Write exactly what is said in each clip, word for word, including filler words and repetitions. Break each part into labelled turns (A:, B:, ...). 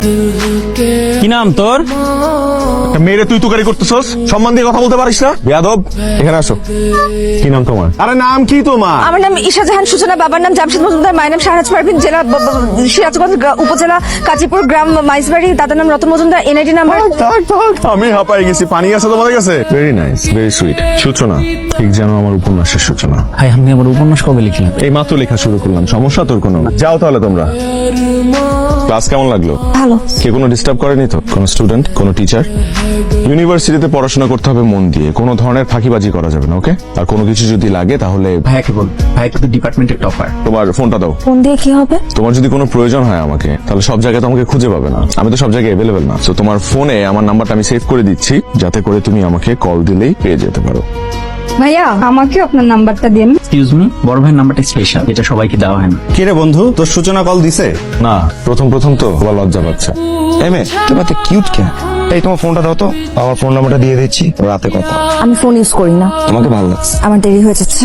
A: কি নাম তোর?
B: মেয়েরে তুই তুকারি করতেছস? সম্মান দিয়ে কথা বলতে পারিস না? বেয়াদব, এখানে আসো। কি নাম তোমার? আরে নাম কি তোমার?
C: আমার নাম ঈশা জাহান সূচনা, বাবার নাম জামশেদ মজুমদার, মায়ের নাম শাহরাজ পারভিন, জেলা ব- ব- সিরাজগঞ্জ গ্রা- উপজেলা কাজীপুর, গ্রাম মাইজবাড়ি, দাদার নাম রতন মজুমদার, এনআইডি নাম্বার।
B: থাক, থাক, আমি হাঁপাই গেছি। পানি আছে তোমাদের কাছে? Very nice, very sweet. সূচনা, ঠিক যেন আমার উপন্যাসের সূচনা।
A: ভাই আপনি আমার উপন্যাস কবে লিখলেন?
B: এই মাত্র লেখা শুরু করলাম, সমস্যা তোর কোনো? যাও তাহলে তোমরা। ক্লাস কেমন লাগলো?
C: ভালো।
B: কে কোনো ডিস্টার্ব করেনি তো? কোনো স্টুডেন্ট, কোনো টিচার? ইউনিভার্সিটিতে পড়াশোনা করতে হবে মন দিয়ে, কোনো ধরনের ফাঁকিবাজি করা যাবে না, ওকে? আর কোনো কিছু যদি লাগে তাহলে
A: ভাইয়াকে বল, ভাই কিন্তু ডিপার্টমেন্টের টপার।
B: তোমার ফোনটা দাও।
C: ফোন দিয়ে কি হবে?
B: তোমার যদি কোনো প্রয়োজন হয় আমাকে, তাহলে সব জায়গায় তোমাকে খুঁজে পাবে না, আমি তো সব জায়গায় অ্যাভেলেবেল না। তো তোমার ফোনে আমার নাম্বারটা আমি সেভ করে দিচ্ছি, যাতে করে তুমি আমাকে কল দিলেই পেয়ে যেতে পারো।
C: ভাইয়া আমাকে আপনার নাম্বারটা দিন।
A: এক্সকিউজ মি, বড় ভাইয়ের নাম্বারটা স্পেশাল, এটা সবাইকে দেওয়া হয় না।
D: কে রে বন্ধু, তোর সূচনা কল দিছে?
B: না, প্রথম প্রথম তো আবার লজ্জা পাচ্ছে।
D: এমএ তুমি তো কিউট কেন? এই তোমার ফোনটা দাও তো, আমার ফোন নাম্বারটা দিয়ে দিচ্ছি, রাতে কথা।
C: আমি ফোন ইউজ করি না,
D: তোমাকে ভালো লাগছে?
C: আমার দেরি হয়ে যাচ্ছে।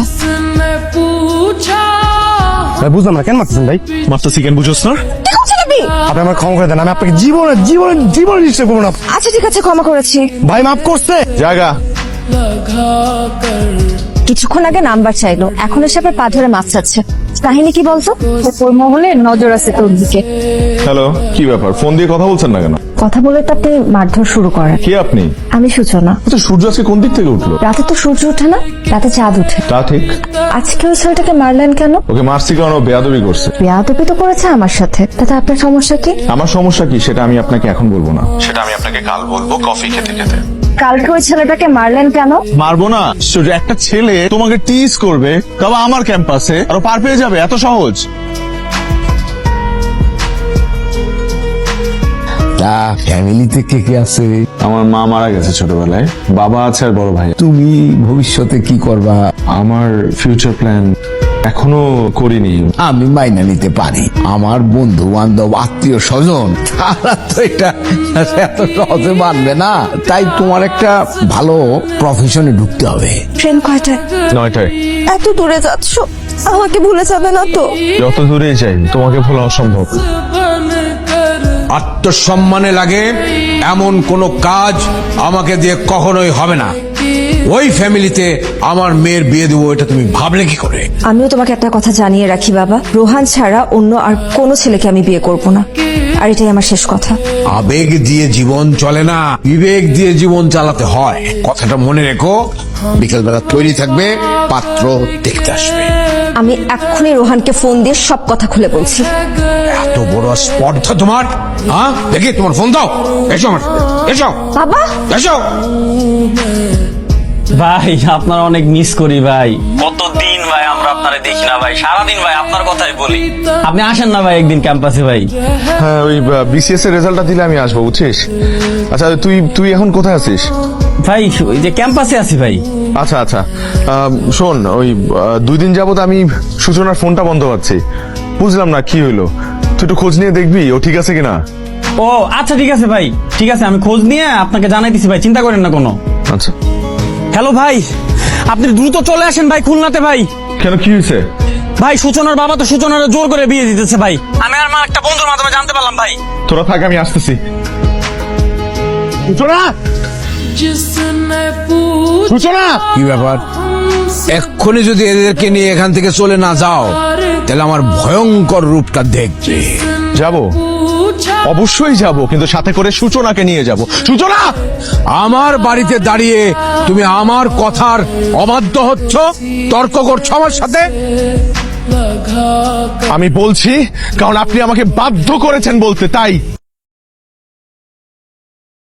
D: ভাই বুঝলাম না, কেন মারতেছেন ভাই?
B: মাস্টার চিকেন বুঝোস না?
C: কি করছেন আপনি?
D: আপনি আমার ক্ষমা করে দেন, আমি আপনাকে জীবনে জীবনে জীবনে ডিস্টার্ব করবো না।
C: আচ্ছা ঠিক আছে, ক্ষমা করেছি।
D: ভাই মাফ করছে।
B: জায়গা
C: কিছুক্ষণ আগে নাম্বার চাইলো, এখন এসে আবার পা ধরে মাছ চাচ্ছে। কাহিনী কি বলতো? ওর মহলে নজর আছে তোর দিকে।
B: হ্যালো, কি ব্যাপার? ফোন দিয়ে কথা বলছেন না কেন?
C: কথা বলে তো আপনি মারধর শুরু করেন।
B: কে আপনি?
C: আমি সূচনা।
B: আচ্ছা, সূর্য আজকে কোন দিক থেকে উঠলো?
C: রাতে তো সূর্য ওঠে না, রাতে চাঁদ ওঠে।
B: তা ঠিক।
C: আজকে ওই ছেলেটাকে মারলেন কেন?
B: ওকে মারছি কারণ ও বেয়াদবি করছে।
C: বেয়াদবি তো করেছে আমার সাথে, তাতে আপনার সমস্যা কি?
B: আমার সমস্যা কি সেটা আমি আপনাকে এখন বলবো না, সেটা আমি আপনাকে কাল বলবো কফি খেতে খেতে।
C: কালকে ওই ছেলেটাকে মারলেন কেন?
B: মারবো না? সূর্য, একটা ছেলে তোমাকে টিজ করবে, তবে আমার ক্যাম্পাসে, আর ও পার পেয়ে যাবে, এত সহজ?
E: ফ্যামিলিতে কে কে আছে?
B: আমার মা মারা গেছে ছোটবেলায়, বাবা আছে আর বড় ভাই।
E: তুমি ভবিষ্যতে কি করবা?
B: আমার ফিউচার প্ল্যান এখনো করিনি।
E: আমি মাইনা নিতে পারি, আমার বন্ধু বান্ধব আত্মীয় স্বজন তারা তো এটা এত সহজে মানবে না। তাই তোমার একটা ভালো প্রফেশনে ঢুকতে হবে।
C: ট্রেন কয়টায়?
B: নয়টায়।
C: এত দূরে যাচ্ছ, আমাকে ভুলে যাবে না তো?
B: যত দূরে যাই তোমাকে ভোলা অসম্ভব।
F: আত্মসম্মানে লাগে এমন কোনো কাজ আমাকে দিয়ে কখনোই হবে না। ওই ফ্যামিলিতে আমার মেয়ের বিয়ে দেবো, এটা তুমি ভাবলে কি করে?
C: আমিও তোমাকে একটা কথা জানিয়ে রাখি বাবা, রোহান ছাড়া অন্য আর কোনো ছেলেকে আমি বিয়ে করব না, আর এটাই আমার শেষ কথা।
F: আবেগ দিয়ে জীবন চলে না, বিবেক দিয়ে জীবন চালাতে হয়, কথাটা মনে রেখো। বিকেলবেলা তৈরি থাকবে, পাত্র দেখতে আসবে।
C: আমি এক্ষুনি রোহানকে ফোন দিয়ে সব কথা খুলে বলছি।
F: এত বড় স্পর্ধা তোমার? হ্যাঁ, দেখি তোমার ফোন দাও। এসো আমার সাথে, এসো
C: বাবা,
F: এসো।
A: ভাই আপনার অনেক মিস করি ভাই, কতদিন ভাই আমরা আপনারে দেখি না ভাই, সারাদিন ভাই আপনার কথাই বলি। আপনি আসেন না ভাই একদিন ক্যাম্পাসে ভাই।
B: হ্যাঁ, ওই বিসিএস এর রেজাল্টটা দিলে আমি আসবো, বুঝছিস? আচ্ছা, তুই তুই এখন কোথায় আছিস?
A: ভাই ওই যে ক্যাম্পাসে আছি ভাই।
B: আচ্ছা আচ্ছা, আম, শোন, ওই আহ, দুই দিন যাবত আমি সূচনার ফোনটা বন্ধ পাচ্ছি, বুঝলাম না কি হইলো। তুই একটু খোঁজ নিয়ে দেখবি ও ঠিক আছে কিনা।
A: ও আচ্ছা ঠিক আছে ভাই, ঠিক আছে, আমি খোঁজ নিয়ে আপনাকে জানাই দিছি ভাই, চিন্তা করেন না কোনো।
B: আচ্ছা।
A: হ্যালো ভাই, আপনি দ্রুত চলে আসেন ভাই খুলনাতে ভাই।
B: কেন, কি হয়েছে?
A: ভাই সূচনার বাবা তো সূচনার জোর করে বিয়ে দিতেছে ভাই, আমি আর আমার একটা বন্ধুর মাধ্যমে জানতে পারলাম ভাই।
B: তোরা থাক, আমি আসতেছি। সূচনা, সূচনা!
F: কি ব্যাপার? এক্ষুনি যদি এদেরকে নিয়ে এখান থেকে চলে না যাও, তাহলে আমার ভয়ঙ্কর রূপটা দেখবে।
B: যাব, অবশ্যই যাব, কিন্তু সাথে করে সূচনাকে নিয়ে যাব। সূচনা!
F: আমার বাড়িতে দাঁড়িয়ে তুমি আমার কথার অবাধ্য হচ্ছ, তর্ক করছো আমার সাথে।
B: আমি বলছি কারণ আপনি আমাকে বাধ্য করেছেন বলতে, তাই।